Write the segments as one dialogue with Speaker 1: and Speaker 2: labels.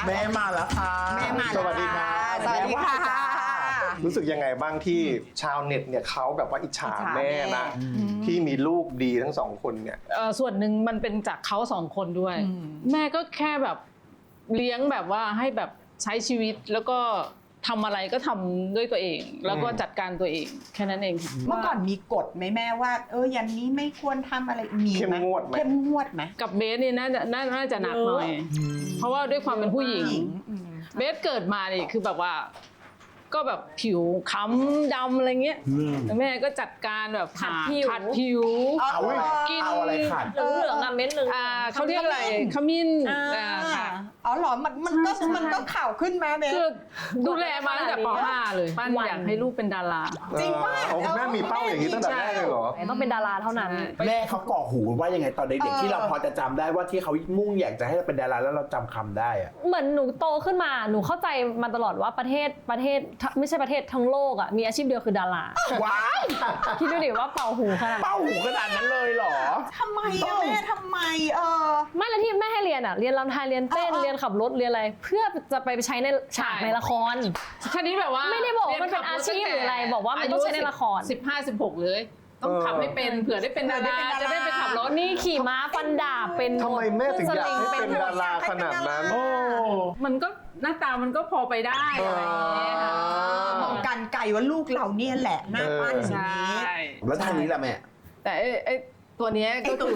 Speaker 1: แม่มาแล้วค่ะ
Speaker 2: แม่มา
Speaker 1: สวัสดีค่ะ
Speaker 2: สวัสดีค่ะ
Speaker 1: รู้สึกยังไงบ้างที่ชาวเน็ตเนี่ยเขาแบบว่าอิจฉาแม่นะที่มีลูกดีทั้งสองคนเนี่ย
Speaker 3: ส่วนหนึ่งมันเป็นจากเขาสองคนด้วย แม่ก็แค่แบบเลี้ยงแบบว่าให้แบบใช้ชีวิตแล้วก็ทำอะไรก็ทำด้วยตัวเอง แล้วก็จัดการตัวเองแค่นั้นเองค่ะ
Speaker 2: เมื่อก่อนมีกฎไหมแม่ว่ายันนี้ไม่ควรทำอะไรมีไหม
Speaker 1: เข้มงวดไหม
Speaker 2: เข้มงวดไหม
Speaker 3: กับเบสนี่น่าจะหนักหน่อย เพราะว่าด้วยความเป็นผู้หญิง เบสเกิดมานี่คือแบบว่าก็แบบผิวค้ำดำอะไรเงี้ยแม่ก็จัดการแบบขัดผิว
Speaker 1: กินเอาอะไรขัด
Speaker 4: เหลืองๆอะเม็ดเหลือง
Speaker 3: เขาเรียกอะไรขมิ้นค่ะ
Speaker 2: อ๋อเหรอมันก็ข่าวขึ้นมาเบส
Speaker 3: คือดูแลมาตั้งแต่ป .5 เลยปั้นอยากให้ลูกเป็นดารา
Speaker 2: จริงป่ะ
Speaker 1: โอ้คุณแม่มีเป้าอย่างนี้ตั้งแต่แรกเลยเหรอ
Speaker 4: ต้องเป็นดาราเท่านั้น
Speaker 5: แม่เขาก่อหูว่ายังไงตอนเด็กๆที่เราพอจะจำได้ว่าที่เขามุ่งอยากจะให้เราเป็นดาราแล้วเราจำคำได้อะ
Speaker 4: เหมือนหนูโตขึ้นมาหนูเข้าใจมาตลอดว่าประเทศไม่ใช่ประเทศทั้งโลกอ่ะมีอาชีพเดียวคือดารา
Speaker 5: ว้าย
Speaker 4: คิดดูดิว่าเป่าหูขนาด
Speaker 5: เป้าหูขนาดนั้นเลยเหรอ
Speaker 2: ทำไมอะแม่ทำไม
Speaker 4: ไม่แล้วที่แม่ให้เรียนอ่ะเรียนรำไทยเรียนเต้นเรียนขับรถเรียนอะไร เพื่อจะไปใช้ในฉากในละคร
Speaker 3: แค่นี้แบบว่า
Speaker 4: ไม่ได้บอกว่ามันเป็นอาชีพหรืออะไรบอกว่ามันต้องใช้ในละคร
Speaker 3: 15-16 เลย ต้องขับให้เป็นเผื่อได้เป็นดาราจะได้ไปขับรถ
Speaker 4: นี่ขี่ม้าฟันดาบเป็น
Speaker 1: ทำไมแม่ถึงอยากให้เป็นดาราขนาดนั้น
Speaker 3: มันก็หน้าตามันก็พอไปได้อะไรอย่างเงี้ยค่ะ
Speaker 2: มองกันไกลว่าลูกเราเนี่ยแหละหน้าปั้นอย่าง
Speaker 3: ใช่
Speaker 2: นี้
Speaker 5: แล้วทางนี้ล่ะแม่
Speaker 3: แต่ไอ้ตัวเนี้ยก็คือ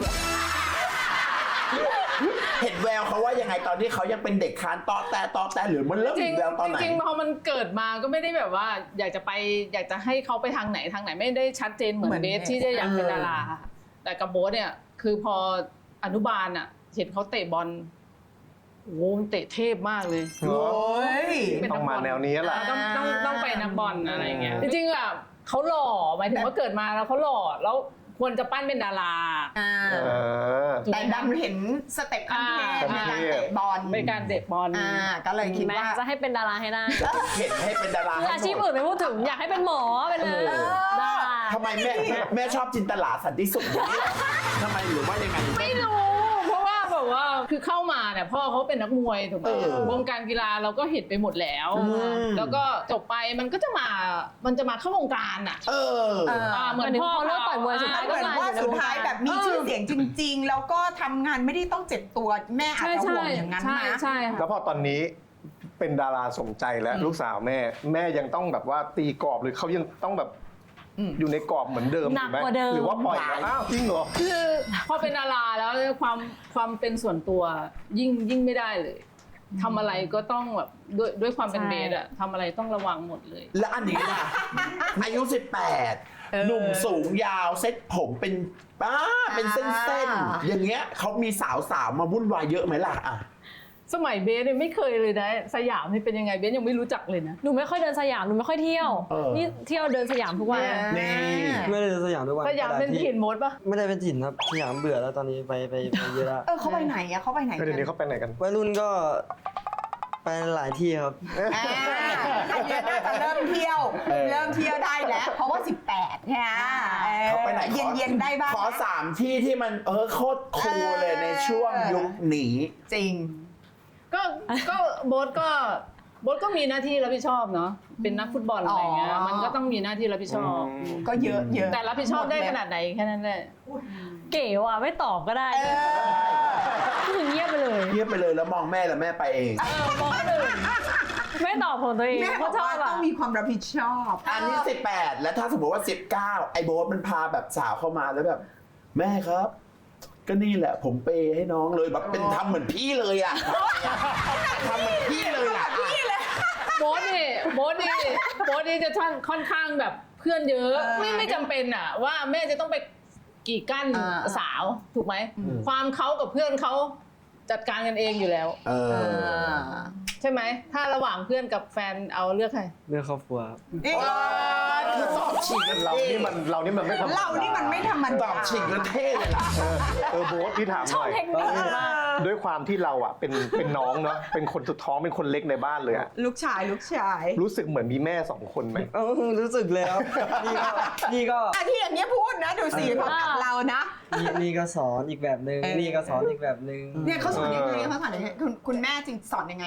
Speaker 5: เห็นแววเขาว่ายังไงตอนที่เขายังเป็นเด็กคานต่อแต่หรือมันเริ่ม
Speaker 3: จริ
Speaker 5: เห็
Speaker 3: ง
Speaker 5: นแววตอนไหน
Speaker 3: จริงพอมันเกิดมาก็ไม่ได้แบบว่าอยากจะให้เขาไปทางไหนไม่ได้ชัดเจนเหมือนเบสที่จะอยากเป็นดาราค่ะแต่กับโบ๊ทเนี่ยคือพออนุบาลอ่ะเห็นเขาเตะบอลโอ้โหเตะเทพมากเลย
Speaker 1: เหรอ
Speaker 3: เป็น
Speaker 1: ต้
Speaker 3: นั
Speaker 1: อก ง
Speaker 3: บ
Speaker 1: มา
Speaker 3: อล
Speaker 1: แนวนี้แหละ
Speaker 3: ต้องไปนักบอลอะไรเงี้ยจริงๆแบบเขาหล่อหมายถึงว่าเกิดมาแล้วเขาหล่อแล้วควรจะปั้นเป็นดารา
Speaker 2: แต่ดันเห็นสเต็ปขั้นเทพในการเตะบอล
Speaker 3: เป็นการเตะบอล
Speaker 2: ก็เลยคิดว่า
Speaker 4: จะให้เป็นดาราให้ได้
Speaker 5: เห็นให้เป็นดารา
Speaker 4: อาชีพอื่นไม่พูดถึงอยากให้เป็นหมอเป็นดารา
Speaker 5: ทำไมแม่ชอบจินตลาสันติสุขอย่างนี้เหรอทำไมหรือว่ายังไง
Speaker 3: ไม่รู้เพราะว่าแบบว่าคือเข้ามาเนี่ยพ่อเขาเป็นนักมวยถูกไหมวงการกีฬาเราก็เห็นไปหมดแล้ว แล้วก็จบไปมันจะมาเข้าวงการอ่ะเหมือนพ่อ
Speaker 4: เลิกต่อยมวยสุดท้าย
Speaker 2: เหมือนว่าสุดท้ายแบบมีชื่อเสียงจริง ๆ แล้วก็ทำงานไม่ได้ต้องเจ็บตัวแม่อาจจะห่วงอย่างนั้นนะ
Speaker 3: ใช่
Speaker 1: แล้วพอตอนนี้เป็นดาราสมใจแล้วลูกสาวแม่ยังต้องแบบว่าตีกรอบหรือเขายังต้องแบบอยู่ในกรอบเหมือนเดิม
Speaker 4: หนักกว่าเดิม
Speaker 1: หรือว่าปล่อยแล้วอ้าวจริงเหรอ
Speaker 3: คือพอเป็นดาราแล้วความเป็นส่วนตัวยิ่งไม่ได้เลยทำอะไรก็ต้องแบบด้วยความเป็นเบสอะทำอะไรต้องระวังหมดเลย
Speaker 5: และอันนี้ล่ะอายุ 18 หนุ่มสูงยาวเซ็ตผมเป็นเส้นๆอย่างเงี้ยเขามีสาวมาวุ่นวายเยอะไหมล่ะอ่ะ
Speaker 3: สมัยเบสเนี่ยไม่เคยเลยนะสยามนี่เป็นยังไงเบสยังไม่รู้จักเลยนะ
Speaker 4: หนูไม่ค่อยเดินสยามหนูไม่ค่อยเที่ยวนี่เที่ยวเดินสยามทุกวัน
Speaker 5: นี่
Speaker 6: ไม่ได้สยามทุกวัน
Speaker 3: สยามเป็นถิ่นมดปะ
Speaker 6: ไม่ได้เป็นถิ่นครับสยามเบื่อแล้วตอนนี้ไปเยอะแล้ว
Speaker 2: เขาไปไหนอะเขาไปไหน
Speaker 1: เดี๋ยวนี้เขาไปไหนกัน
Speaker 6: วัยรุ่นก็ไปหลายที่ครับ
Speaker 2: อันนี้น่าจะเริ่มเที่ยวได้แล้ว เพราะว่า 18ใช่ไหม
Speaker 5: เขาไปไหน
Speaker 2: เย็นได้บ้าง
Speaker 5: ขอ3 ที่ที่มันโคตรคูลเลยในช่วงยุคนี้
Speaker 2: จริง
Speaker 3: ก็โบ๊ทก็มีหน้าที่รับผิดชอบเนาะเป็นนักฟุตบอลอะไรเงี้ยมันก็ต้องมีหน้าที่รับผิดชอบ
Speaker 2: ก็เยอะ
Speaker 3: แต่รับผิดชอบได้ขนาดไหนแค่นั้นแหละ
Speaker 4: เก๋ว่ะไม่ตอบก็ได้ถึงเงียบไปเลย
Speaker 5: เงียบไปเลยแล้วมองแม่แล้วแม่ไปเอง
Speaker 4: มองเลยไม่ตอบของตัวเอง
Speaker 2: แม่บอกว่าต้องมีความรับผิดชอบ
Speaker 5: อันนี้ 18 แล้วถ้าสมมติว่า 19 ไอ้โบ๊ทมันพาแบบสาวเข้ามาแล้วแบบ แม่ครับ ก็นี่แหละผมเปย์ให้น้องเลยแบบเป็นทำเหมือนพี่เลยอ่ะทำเหมือนพี่เลยอ่ะ
Speaker 3: โบ๊ทนี่จะค่อนข้างแบบเพื่อนเยอะไม่จำเป็นอะว่าแม่จะต้องไปกีดกั้นสาวถูกไหมความเขากับเพื่อนเขาจัดการกันเองอยู่แล้วใช่ไหมถ้าระหว่างเพื่อนกับแฟนเอาเลือกใคร
Speaker 6: เรื่องครอบครัวครับ
Speaker 5: คือสอบฉีกกัน
Speaker 1: เรานี่มันไม่ธรรมดา
Speaker 2: เรานี่มันไม่ธรรม
Speaker 5: ส
Speaker 2: ดา
Speaker 5: อบฉีกแล้วเท่เลยล่ะ
Speaker 1: โบ๊ทพี่ถามหน่อย
Speaker 4: เทคนิคมาก
Speaker 1: ด้วยความที่เราอ่ะเป็นน้องเนาะเป็นคนสุดท้องเป็นคนเล็กในบ้านเลยอะ
Speaker 2: ลูกชาย
Speaker 1: รู้สึกเหมือนมีแม่2 คนไหม
Speaker 6: รู้สึกเลยครับนี่ก็
Speaker 2: ที่อย่างเงี้ยพูดนะดูสิเขากับเรานะ
Speaker 6: นี่ก็สอนอีกแบบนึงนี่ก็สอนอีกแบบนึง
Speaker 2: เนี่ยเขาสอนยังไงคุณแม่จริงสอนยังไง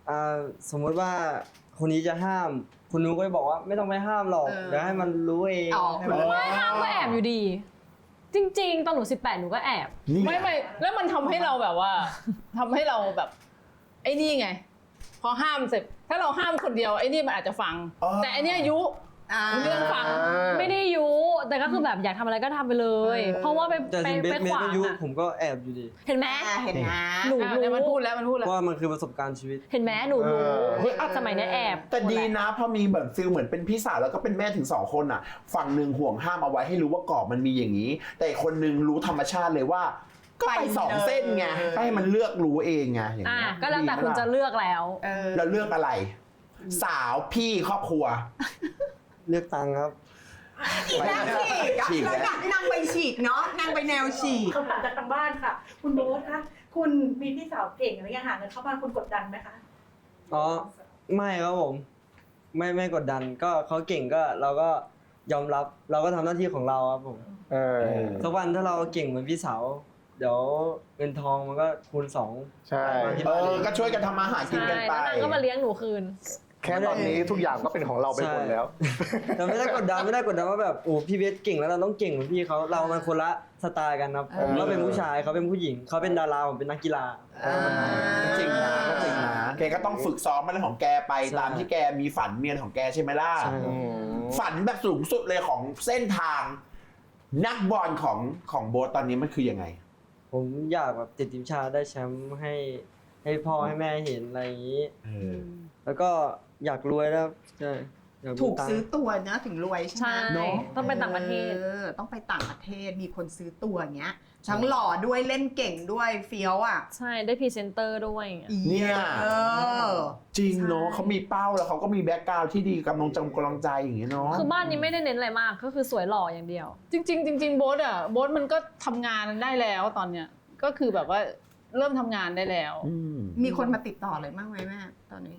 Speaker 6: สมมุติว่าคนนี้จะห้ามคุณนุ้ก็จะบอกว่าไม่ต้องไปห้ามหรอกเดี๋ยวให้มันรู้เอง
Speaker 2: อ๋อ
Speaker 6: ให้มัน
Speaker 4: ไม่ห้ามก็แอบอยู่ดี จริงๆ ตอนหนู18หนูก็แอบ
Speaker 5: นี่
Speaker 3: ไม่แล้วมันทำให้เราแบบว่าทำให้เราแบบไอ้นี่ไง พอห้ามเสร็จถ้าเราห้ามคนเดียวไอ้นี่มันอาจจะฟัง แต่อันเนี้ยยุเรื่องฟัง
Speaker 4: ไม่ได้ยุแต่ก็คือแบบอยากทำอะไรก็ทำไปเลย เพราะว่าไป
Speaker 6: แต่
Speaker 4: ไป
Speaker 6: ถึงเบ
Speaker 4: ไป
Speaker 6: สเม
Speaker 4: ข
Speaker 6: ส
Speaker 4: วาง
Speaker 6: ก็ยุ
Speaker 4: อะ
Speaker 6: ผมก็แอบอยู่ดี
Speaker 4: เห็นไหม
Speaker 2: เห็นนะ
Speaker 4: หนู
Speaker 3: เนี่ยมันพูดแล้ว
Speaker 6: เพราะว่ามันคือประสบการณ์ชีวิต
Speaker 4: เห็นไหมหนูรู้
Speaker 5: เฮ้ย
Speaker 4: สมัยเนี้ยแอบ
Speaker 5: แต่ดีนะพอมีแบบฟิลเหมือนเป็นพี่สาวแล้วก็เป็นแม่ถึง2คนอ่ะฝั่งหนึ่งห่วงห้ามเอาไว้ให้รู้ว่ากรอบมันมีอย่างนี้ แต่อีกคนนึงรู้ธรรมชาติเลยว่า ก็ไป2 เส้นไงก็ให้มันเลือกรู้เองไงอย่างเงี้ย
Speaker 4: ก็แล้วแต่คุณจะเลือกแล้ว
Speaker 5: แล้วเลือกอะไร สาวพี่ครอบครัว
Speaker 6: เลือกตังค์ครับ
Speaker 2: นางฉีกแล้วนางไปฉีกเนาะนางไปแนวฉีก
Speaker 7: คำถามจากทางบ้านค่ะ คุณโบ๊ทคะคุณมีพี่สาวเก่งอะไรอย่างหาเงินเข้าบ้านคุณกดดันไหมคะ
Speaker 6: อ๋อไม่ครับผมไม่กดดันก็เขาเก่งก็เราก็ยอมรับเราก็ทำหน้าที่ของเราครับผมสักวันถ้าเราเก่งเหมือนพี่สาวเดี๋ยวเงินทองมันก็คูณ2
Speaker 1: ใช่
Speaker 6: มาที่บ้านเอง
Speaker 5: ก็ช่วยกันทำมาหากินกันไป
Speaker 4: แล้วนางก็มาเลี้ยงหนูคืน
Speaker 1: แค่ตอนนี้ทุกอย่างก็เป็นของเราไปหมดแล้ว
Speaker 6: แต่ไม่ได้กดดันว่าแบบโอ้พี่เบสเก่งแล้วเราต้องเก่งเหมือนพี่เขาเรามันคนละสไตล์กันครับผมก็เป็นผู้ชายเขาเป็นผู้หญิงเขาเป็นดาราผมเป็นนักกีฬา
Speaker 5: ก็จริงนะก็จริงนะแกก็ต้องฝึกซ้อมมันของแกไป
Speaker 6: ใช่
Speaker 5: ตามที่แกมีฝันเมียนของแกใช่ไหมล่ะ
Speaker 6: ใช่
Speaker 5: ฝันแบบสูงสุดเลยของเส้นทาง นักบอลของโบ๊ทตอนนี้มันคือยังไง
Speaker 6: ผมอยากแบบติดทีมชาติได้แชมป์ให้พ่อให้แม่เห็นอะไรอย่างนี้ แล้วก็อยากรวยแล้วใช่อยามี
Speaker 2: ถูก
Speaker 6: ตังค์
Speaker 2: ซื้อตัวนะถึงรวยใช่
Speaker 4: ใช่
Speaker 2: ไหม
Speaker 4: ต้องไปต่างประเทศ
Speaker 2: ต้องไปต่างประเทศมีคนซื้อตัวอย่างเงี้ยทั้งหล่อด้วยเล่นเก่งด้วยเฟี้ยวอ่ะ
Speaker 4: ใช่ได้พรีเซนเตอร์ด้วยอย่างเงี้ย
Speaker 5: เนี่ย
Speaker 2: เออ
Speaker 5: จริงเนาะ
Speaker 2: ใช่
Speaker 5: เขามีเป้าแล้วเขาก็มีแบ็กกราวด์ที่ดีกำลังใจอย่างเงี้ยเนาะ
Speaker 4: คือบ้านนี้ไม่ได้เน้นอะไรมากก็คือสวยหล่ออย่างเดียว
Speaker 3: จริงโบ๊ทมันก็ทำงานได้แล้วตอนเนี้ยก็คือแบบว่าเริ่มทำงานได้แล้ว
Speaker 2: มีคนมาติดต่อเลยมากไหมแม่ตอนนี้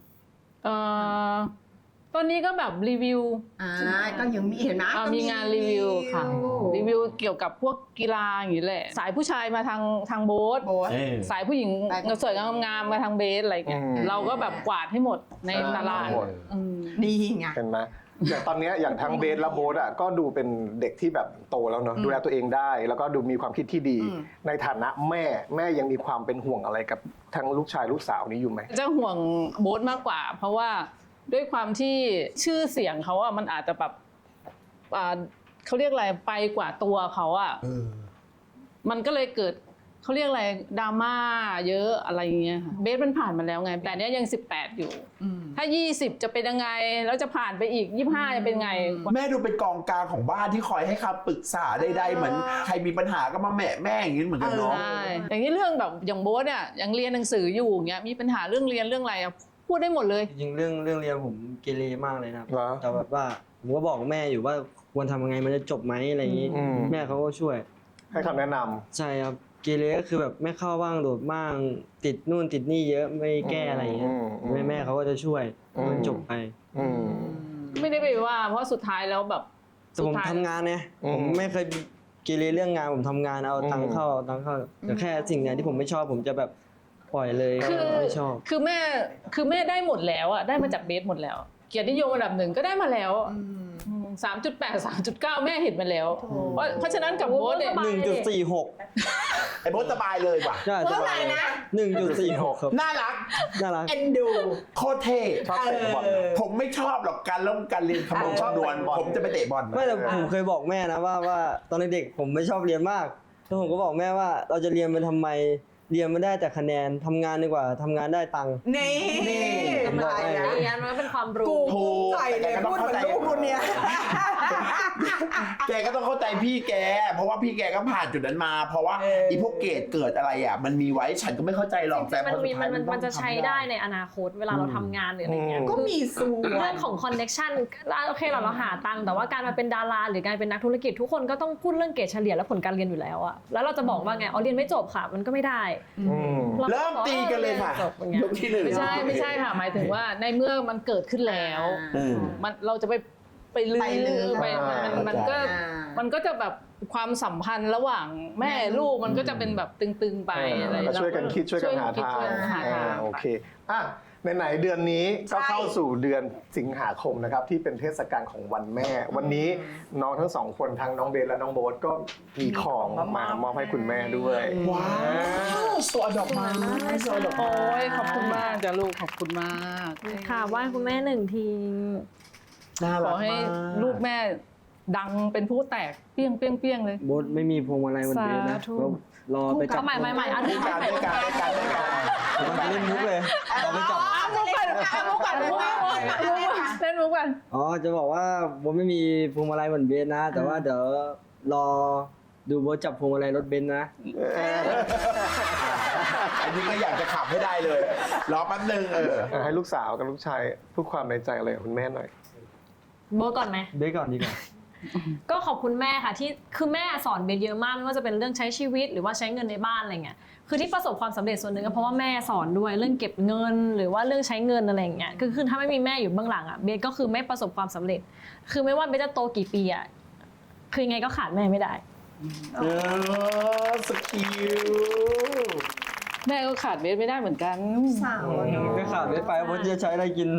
Speaker 3: ตอนนี้ก็แบบรีวิว
Speaker 2: ก็ยังมีเห็นไหมก็
Speaker 3: มีงานรีวิวค่ะรีวิวเกี่ยวกับพวกกีฬาอย่างนี้แหละสายผู้ชายมาทางโบ๊ท
Speaker 2: โบ๊ท
Speaker 3: สายผู้หญิงสวยงามมาทางเบสอะไรเงี้ย
Speaker 1: อืม
Speaker 3: เราก็แบบกวาดให้หมดในตลาด
Speaker 1: หมด
Speaker 3: อืม
Speaker 2: ดีไง
Speaker 1: เห็นไหมอย่างตอนเนี้ยอย่างทั้งเบสและโบ๊ทอ่ะก็ดูเป็นเด็กที่แบบโตแล้วเนาะดูแลตัวเองได้ แล้วก็ดูมีความคิดที่ดี ในฐานะแม่ยังมีความเป็นห่วงอะไรกับทั้งลูกชายลูกสาวนี้อยู่ไหม
Speaker 3: จะห่วงโบ๊ทมากกว่า เพราะว่าด้วยความที่ชื่อเสียงเขาอะมันอาจจะแบบเขาเรียกอะไรไปกว่าตัวเขาอะมันก็เลยเกิดเขาเรียกอะไรดราม่าเยอะอะไรอย่างเงี้ยค่ะเบสมันผ่านมาแล้วไงแต่เนี้ยยัง18อยู่ถ้า20จะเป็นยังไงแล้วจะผ่านไปอีก25จะเป็นไง
Speaker 5: แม่ดูเป็นกองกลางของบ้านที่คอยให้คำปรึกษาใดๆเหมือนใครมีปัญหาก็มาแม่อย่างนี้เหมือนกันเนาะ
Speaker 3: ใช่อย่างนี้เรื่องแบบอย่างโบ๊ทเนี่ยยังเรียนหนังสืออยู่อย่างเงี้ยมีปัญหาเรื่องเรียนเรื่องอะไรอะพูดได้หมดเลย
Speaker 6: จริงๆเรื่องเรียนผมเกเรมากเลยนะครับ
Speaker 1: เหรอ
Speaker 6: แต่แบบว่าผมก็บอกแม่อยู่ว่าควรทำยังไงมันจะจบไหมอะไรอย่างนี้ แม่เขาก็ช่วย
Speaker 1: ให้คำแนะนำ
Speaker 6: ใช่ครับเกเรก็คือแบบไม่เข้าบ้างโดดบ้างติดนู่นติดนี่เยอะไม่แก้อะไรอย่างเงี้ยแม่เขาก็จะช่วยให้มันจบไป
Speaker 3: ไม่ได้ไปว่าเพราะสุดท้ายแล้วแบบ
Speaker 6: แต่ผมทำงานไงผมไม่เคยเกเรเรื่องงานผมทำงานเอาตังค์เข้าแต่แค่สิ่งไหนที่ผมไม่ชอบผมจะแบบปล่อยเลย
Speaker 3: คือ
Speaker 6: ไม่ชอบ
Speaker 3: คือแม่ได้หมดแล้วอ่ะได้มาจากเบสหมดแล้ว เกียรตินิยมอันดับ1ก็ได้มาแล้ว3.8 3.9 แม่เห็นมาแล้วเพราะฉะนั้นกับโบ๊ทเนี่ย
Speaker 6: 1.46
Speaker 5: ไอ้โบ๊ทสบายเลยว่ะ
Speaker 6: ใช่สบาย
Speaker 2: นะ
Speaker 6: 1.46 ครับ
Speaker 5: น่ารัก
Speaker 6: น่ารัก
Speaker 2: เอ็นดู
Speaker 5: โคตรเท่
Speaker 1: ชอบเตะบอล
Speaker 5: ผมไม่ชอบหรอกการเรียนคำนวณ
Speaker 1: ชอบ
Speaker 5: คำนวณ
Speaker 1: บอล
Speaker 5: ผมจะไปเตะบอล
Speaker 6: ไม่แต่ผมเคยบอกแม่นะว่าตอนเด็กๆผมไม่ชอบเรียนมากแล้วผมก็บอกแม่ว่าเราจะเรียนไปทำไมเรียนไม่ได้แต่คะแนนทำงานดีกว่าทำงานได้ตังค์
Speaker 2: นี่
Speaker 4: กำลังใจนะเรียนมันก็เป็นความรู้
Speaker 2: กูภูมิใจเลยพูดเหมือนลูกคนเนี้ย
Speaker 5: แกก็ต้องเข้าใจพี่แก เพราะว่าพี่แกก็ผ่านจุดนั้นมา เพราะว่าอีพวกเกรดเกิดอะไรอ่ะมันมีไว้ฉันก็ไม่เข้าใจหรอกแต่พอสุดท้าย
Speaker 4: มันจะใช้ได้ในอนาคตเวลาเราทำงานหรืออะไรเงี้ย
Speaker 2: ก็มีส่วน
Speaker 4: เรื่องของคอนเน็ชันโอเคเราหาตังค์แต่ว่าการมาเป็นดาราหรือการเป็นนักธุรกิจทุกคนก็ต้องพูดเรื่องเกรดเฉลี่ยและผลการเรียนอยู่แล้วอะแล้วเราจะบอกว่าไงเรียนไม่จบค่ะมันก็ไม่ได้
Speaker 5: เริ่มตีกันเลยค่ะ
Speaker 4: จบอย่างเงี้ย
Speaker 5: ยกที่หนึ่ง
Speaker 3: ไม่ใช่ค่ะหมายถึงว่าในเมื่อมันเกิดขึ้นแล้วมันเราจะไปไปลื
Speaker 2: ไปลื
Speaker 3: อ
Speaker 2: อ
Speaker 3: ไปมันก็
Speaker 2: อ่า
Speaker 3: มันก็จะแบบความสัมพันธ์ระหว่างแม่ลูกมันก็จะเป็นแบบตึงๆไปอะไร
Speaker 1: ก็ช่วยกันคิดช่วยกันหาทาง
Speaker 3: ช่วยกันหาทาง
Speaker 1: โอเคอ่ะไหนๆเดือนนี้ก็เข้าสู่เดือนสิงหาคมนะครับที่เป็นเทศกาลของวันแม่ วันนี้น้องทั้งสองคนทั้งน้องเบนและน้องโบ๊ทก็มีของมามอบให้คุณแม่ด้วย
Speaker 5: ว้าวสวยดอกไม้สวยดอกไม้
Speaker 3: โอ้ยขอบคุณมากจ้ะลูกขอบคุณมาก
Speaker 4: ค่ะไหว้คุณแม่หนึ่งที
Speaker 5: น่า
Speaker 3: ข
Speaker 5: รั
Speaker 3: อก ให้
Speaker 5: มาก
Speaker 3: ลูกแม่ดังเป็นผู้แตกเปี้ยงเปี้ยงเปี้ยงเลย
Speaker 6: โบ๊ทไม่มีพวงมาลัยวันเบสนะ
Speaker 4: สาธุ
Speaker 6: เรารอไปจับ
Speaker 4: เอาใหม่อันนี้
Speaker 5: การด้วยการด้วยการด้วยการ
Speaker 6: มันจะเล่นมุกเลยเราไปจับ
Speaker 3: มุกกันมุกกันมุกกันเล่นมุกกัน
Speaker 6: อ๋อจะบอกว่าโบ๊ทไม่มีพวงมาลัยเหมือนเบสนะ แต่ว่าเดี๋ยวรอดูโบ๊ทจับพวงมาลัยรถเบนซ์นะ
Speaker 5: อันนี้ก็อยากจะขับให้ได้เลย รอแป๊บนึง
Speaker 1: ให้ลูกสาวกับลูกชายพูดความในใจอะไรกับคุณแม่หน่อย
Speaker 4: โบทก่อนไหม
Speaker 6: เบสก่อนดีกว่า
Speaker 4: ก็ขอบคุณแม่ค่ะที่คือแม่สอนเบสเยอะมากไม่ว่าจะเป็นเรื่องใช้ชีวิตหรือว่าใช้เงินในบ้านอะไรเงี้ยคือที่ประสบความสำเร็จส่วนหนึ่งก็เพราะว่าแม่สอนด้วยเรื่องเก็บเงินหรือว่าเรื่องใช้เงินอะไรอย่างเงี้ยคือถ้าไม่มีแม่อยู่เบื้องหลังอ่ะเบสก็คือไม่ประสบความสำเร็จ คือไม่ว่าเบสจะโตกี่ปีอ่ะคือยังไงก็ขาดแม่ไม่ได้
Speaker 5: สกิล
Speaker 3: แม่ก็ขาดเบสไม่ได้เหมือนกัน
Speaker 2: สาว
Speaker 6: ก็ขาดเบสไปโบ๊ทจะใช้อะไรกิน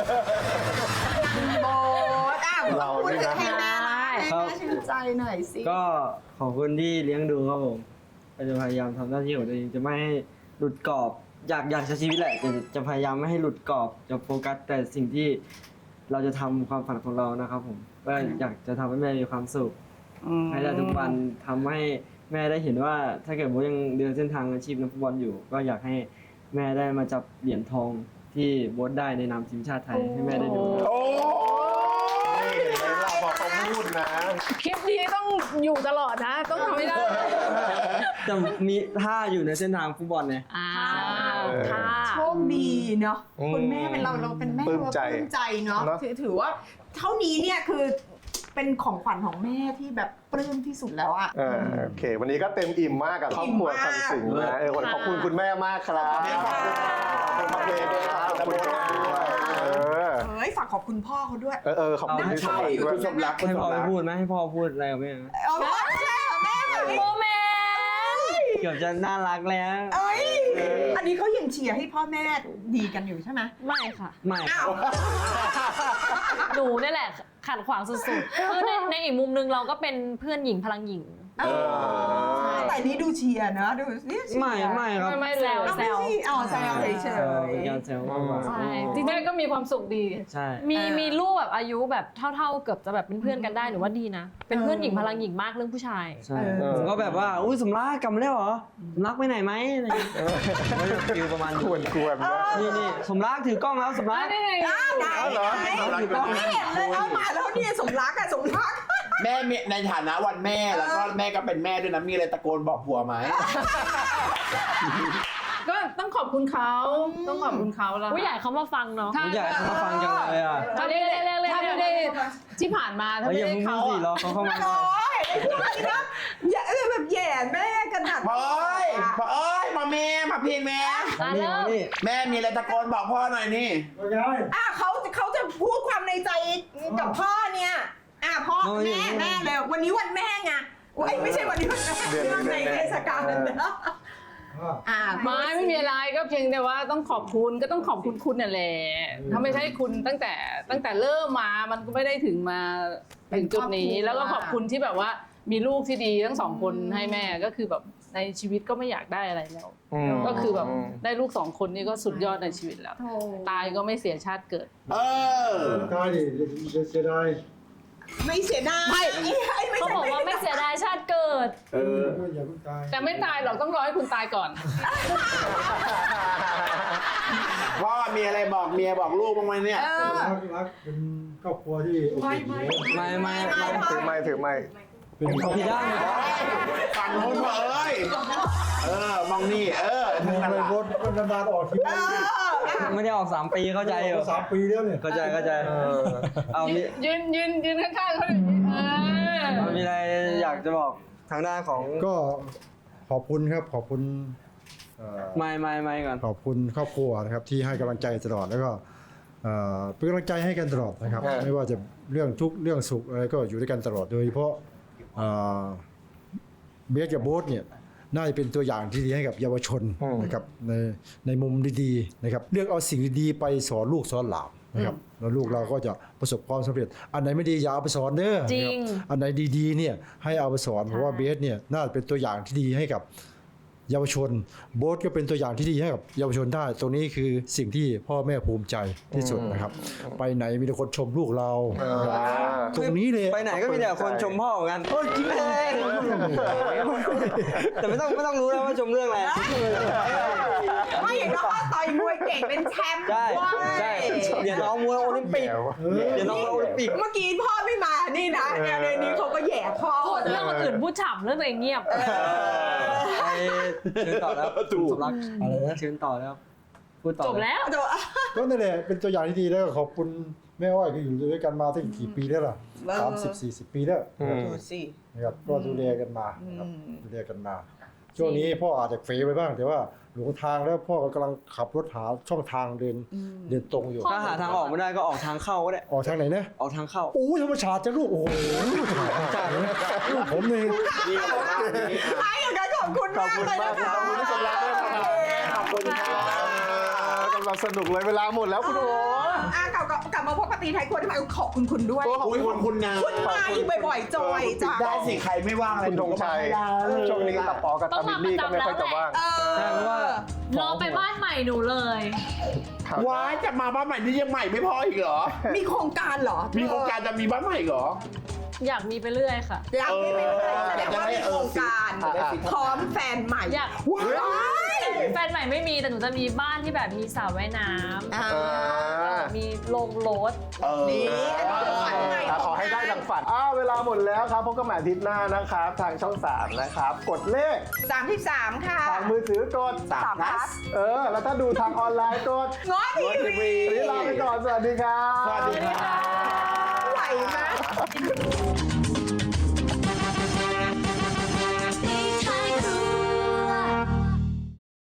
Speaker 2: โบทเราพูดถึงให้แม่ละให้
Speaker 6: ครับ
Speaker 2: แม่ชื่นใจหน่อยสิ
Speaker 6: ก็ขอบคุณที่เลี้ยงดูครับผมก็จะพยายามทำหน้าที่ของตัวเองจะไม่ให้หลุดกรอบอยากใช้ชีวิตแหละจะพยายามไม่ให้หลุดกรอบจะโฟกัสแต่สิ่งที่เราจะทำความฝันของเรานะครับผมก็อยากจะทำให้แม่มีความสุขให้ได้ทุกวันทำให้แม่ได้เห็นว่าถ้าเกิดโบ๊ทยังเดินเส้นทางอาชีพนักฟุตบอลอยู่ ก็อยากให้แม่ได้มาจับเหรียญทองที่โบ๊ทได้ในนามทีมชาติไทยให้แม่ได้ดูนะ
Speaker 5: โอ้
Speaker 1: เราบอกเขาพูดนะ
Speaker 3: คลิปนี้ต้องอยู่ตลอดนะ ต้องทำให้ได้
Speaker 6: จะมีท่าอยู่ในเส้นทางฟุตบอลไง
Speaker 4: ค่ะ
Speaker 2: โชคดีเนาะ
Speaker 1: อืม
Speaker 2: คุณแม่เป็นเราเป็นแม่
Speaker 1: ปลื้มใจ
Speaker 2: เราปลื้มใจเนาะ
Speaker 1: เนอะ
Speaker 2: ถือว่าเท่านี้เนี่ยคือเป็นของขวัญของแม่ที่แบบปลื้มที่สุดแล้วอะ
Speaker 1: โอเค วันนี้ก็เต็มอิ่มมากกับครอบครัวคำสิงห์นะวันขอบคุณคุณแม่มากครับขอบคุณมาเบนด้วยครับขอบคุณครับด้วย
Speaker 2: เฮ้ยฝากขอบคุณพ่อเขาด้วย
Speaker 1: ขอบคุณที่
Speaker 5: ใช่
Speaker 1: ด้วย
Speaker 5: คุณสมรักคุณ
Speaker 6: ให้
Speaker 5: ส
Speaker 6: พ่อ
Speaker 5: ม
Speaker 6: ไป
Speaker 5: รัก
Speaker 6: พูดไหมให้พ่อพูดอะไรกับแม่ไหม
Speaker 2: เอาพ่อใช่เหรอแม่แบบนี้
Speaker 4: โมเมนต์
Speaker 6: เกือบจะน่ารักแล้ว
Speaker 2: เอ้ยอันนี้เขายังเชียร์ให้พ่อแม่ดีกันอยู่ใช่ไหม
Speaker 4: ไม่ค่ะ
Speaker 6: ไม่
Speaker 2: อ้าว
Speaker 4: หนูนี่แหละขัดขวางสุดๆคือในอีกมุมนึงเราก็เป็นเพื่อนหญิงพลังหญิง
Speaker 2: แต่นี้ดูเชียร์นะดูสิเชียร์
Speaker 6: ไม่ครับ
Speaker 3: ไม่เลย
Speaker 2: เอาไม่ใช่เอาแซวเฉ
Speaker 6: เป็นการ
Speaker 2: ย
Speaker 6: แซวมากกว่า
Speaker 4: ใช่จริง
Speaker 3: แม่ก็มีความสุขดี
Speaker 6: ใช่
Speaker 4: มีลูกแบบอายุแบบเท่าๆเกือบจะแบบเป็นเพื่อนกันได้หนูว่าดีนะ เป็นเพื่อนหญิงพลังหญิงมากเรื่องผู้ชาย
Speaker 6: ใช่ผมก็แบบว่าอุ้ยสมรักกลับมาแล้วเหรอสมรักไปไหนไหมอะไรอย่างเงี้ยก็จะฟิลประมาณ
Speaker 1: ควรนะ
Speaker 6: นี่สมรักถือกล้องแล้วสมรัก
Speaker 3: ได้ไง
Speaker 2: ๆอ้าวไหน
Speaker 1: เอาเหรอ
Speaker 2: ไหนไม่เห็นเลยเอามาแล้วเนี่ยสมรักอะสมรัก
Speaker 5: แม่มีในฐานะวันแม่แล้วก็แม่ก็เป็นแม่ด้วยนะมีอะไรตะโกนบอกผัวไหม
Speaker 3: ก็ต้องขอบคุณเขาต้องขอบคุณเขาแล้ว
Speaker 4: ผู้ใหญ่เขามาฟังเนาะ
Speaker 6: ผมอยากให้เขามาฟังจังเลยอ่ะ
Speaker 3: ถ้าไม่ได้ที่ผ่านมาถ้า
Speaker 6: เฮ้ย
Speaker 3: ไม่
Speaker 6: อย่า
Speaker 3: ได้
Speaker 6: เพิ่งพู
Speaker 3: เขา
Speaker 6: ดสิรอ
Speaker 3: อะ
Speaker 6: เขาเข้ามา
Speaker 2: โอ้ยไอ้พวกนี้นะอย่าแบบแย่แม่กันหัด
Speaker 5: พ่อเอ้ยพ่อเอ้ยมาแม่มาพี่แม่
Speaker 6: นี่มานี่
Speaker 5: แม่มีอะไรตะโกนบอกพ่อหน่อยนี่
Speaker 2: เขาจะพูดความในใจกับพ่อเนี่ยพ่อแม่เลยวันนี้วันแม่ไงไม่ใช่วันนี้วันแม่เรื่องในเทศกาลนะ
Speaker 3: ไม่มีอะไรก็เพียงแต่ว่าต้องขอบคุณก็ต้องขอบคุณคุณนั่นแหละถ้าไม่ใช่คุณตั้งแต่เริ่มมามันก็ไม่ได้ถึงมาถึงจุดนี้ แล้วก็ขอบคุณที่แบบว่ามีลูกที่ดีทั้งสองคนให้แม่ก็คือแบบในชีวิตก็ไม่อยากได้อะไรแล้ว ก็คือแบบได้ลูก2 คนนี่ก็สุดยอดในชีวิตแล้ว ตายก็ไม่เสียชาติเกิด
Speaker 5: เออ
Speaker 8: ตายดิเสียดาย
Speaker 2: ไม่เสียดาย
Speaker 4: เขาบอกว่าไม่เสียดายชาติเกิด
Speaker 8: อย่าเพิ่งตาย
Speaker 3: แต่ไม่ตายหรอกต้องรอให้คุณตายก่อน
Speaker 5: พ่อมีอะไรบอกเมียบอกลูกบ้างไหมเนี่ย
Speaker 8: รักเป็นครอบครัวที่โอเค
Speaker 6: ไม่
Speaker 1: ถือไม้
Speaker 8: เป็น
Speaker 6: ผิดด้าน
Speaker 5: ฝั่งโน้นพ่อเอ้ยมองนี่ทั้งนั้น
Speaker 8: ใน
Speaker 5: ล่ะ
Speaker 8: รถนานๆออกทีวี
Speaker 6: ไม่ได้ออก3 ปีเข้าใจอยู่
Speaker 8: 3 ปีแล้วเนี่ย
Speaker 6: เข้าใจเอามี
Speaker 3: ยืนข้างๆเขาอย่างนี้
Speaker 6: มีอะไรอยากจะบอกทางด้านของ
Speaker 8: ก็ขอบคุณครับขอบคุณ
Speaker 6: ไม่ก่อน
Speaker 8: ขอบคุณครอบครัวนะครับที่ให้กำลังใจตลอดแล้วก็เป็นกำลังใจให้กันตลอดนะครับ ไม่ว่าจะเรื่องทุกข์เรื่องสุขอะไรก็อยู่ด้วยกันตลอดโดยเฉพาะเบสกับโบ๊ทเนี่ยน่าจะเป็นตัวอย่างที่ดีให้กับเยาวชนนะครับในมุมดีๆนะครับเลือกเอาสิ่งดีๆไปสอนลูกสอนหลานนะครับแล้วลูกเราก็จะประสบความสำเร็จอันไหนไม่ดีอย่าเอาไปสอนเด้อ
Speaker 4: จริง
Speaker 8: นะครับอันไหนดีๆเนี่ยให้เอาไปสอนเพราะว่าเบสเนี่ยน่าจะเป็นตัวอย่างที่ดีให้กับเยาวชนโบ๊ทก็เป็นตัวอย่างที่ดีให้กับเยาวชนได้ตรงนี้คือสิ่งที่พ่อแม่ภูมิใจที่สุดนะครับ ไปไหนมีแต่คนชมลูกเราตรงนี้เลย
Speaker 6: ไปไหนก็มีแต่คนชมพ่อเหมือนกันโอ้ยจริงเลยแต่ไม่ต้องรู้แล้วว่าชมเรื่องอะไร
Speaker 2: ไม่อย่างน้อยต่อยมวยเก่งเป็นแชมป์
Speaker 6: ใช่
Speaker 2: ว้าย
Speaker 6: ใช่เดี๋ยวน้องมวยโอลิมปิกเดี๋ยวน้องโอลิมปิก
Speaker 2: เมื่อกี้พ่อไม่มานี่นะในนี้เขาก็แย่พ่อ
Speaker 4: พูดเรื่องคนอื่นพูดฉ่ำเรื่องตัวเองเงียบ
Speaker 6: ไปเชิญต่อแล้วถูกรักอะไรนะเชิญต่อแล้วพูดต่อ
Speaker 4: จบแล้ว
Speaker 8: ก็นั่นแหละเป็นตัวอย่างที่ดีแล้วก็ขอบคุณแม่อ้อยที่อยู่ด้วยกันมาตั้งกี่ปีแล้วล่ะ30-40 ปีแล้ว
Speaker 2: ดูสิ
Speaker 8: นะครับก็ดูแลกันมานะครับดูแลกันมาช่วงนี้พ่ออาจจะเฟไปบ้างแต่ว่าหลงทางแล้วพ่อก็กำลังขับรถหาช่องทางเดินตรงอยู่
Speaker 6: ถ้าหาทางออกไม่ได้ก็ออกทางเข้าก็ได้
Speaker 8: ออกทางไหนนะ
Speaker 6: ออกทางเข้า
Speaker 8: โอ้ยธรรมชาติจะลูกโอ้โหลูกผมนี่
Speaker 2: ไอ้อย่างนั้นขอบคุณมากเลยนะคะ
Speaker 1: ขอบคุณที่สำรับด้วยนะครับขอบคุณครับกำลังสนุกเลยเวลาหมดแล้วคุณโอ๋
Speaker 2: กลับมาพบปฏิไทยควรทำไมขอบคุณคุณด้วย
Speaker 5: โอ้ยขอบคุณนะ
Speaker 2: คุณมาอีกบ่อยๆจอยจ้า
Speaker 5: ได้สิใครไม่ว่างอะไร
Speaker 1: คุณธงชัยช่วงนี้ตาปอกับตาบิลลี่ก็ไม่ค่อยจะว่าง
Speaker 6: ใช่เพราะว่า
Speaker 4: รอไปบ้านใหม่หนูเลย
Speaker 5: ว้ายจะมาบ้านใหม่นี่ยังใหม่ไม่พออีกเหรอ
Speaker 2: มีโครงการเหรอ
Speaker 5: มีโครงการจะมีบ้านใหม่อีกเหรอ
Speaker 4: อยากมีไปเรื่อยค่ะ
Speaker 2: อยากมีไปเลยแสดงว่ามีโครงการ พร้อมแฟนใหม่
Speaker 4: อยาก
Speaker 2: ว้าย
Speaker 4: แฟนใหม่ไม่มีแต่หนูจะมีบ้านที่แบบมีสระว่ายน้ำมีโรงรถ
Speaker 2: นี่อันนี้คือฝันใหม่
Speaker 1: ขอให้ได้ดังฝันเวลาหมดแล้วครับพบกันใหม่อาทิตย์หน้านะครับ ทางช่อง 3 นะครับ กดเลข
Speaker 2: 33ค่ะ
Speaker 1: ทางมือถือกด
Speaker 2: 3 plus
Speaker 1: แล้วถ้าดูทางออนไลน์กด
Speaker 2: ง้อทีวี
Speaker 1: วันนี้ลาไปก่อน สวัสดีครับ
Speaker 5: สวัสดีครับ
Speaker 2: ไหวไหม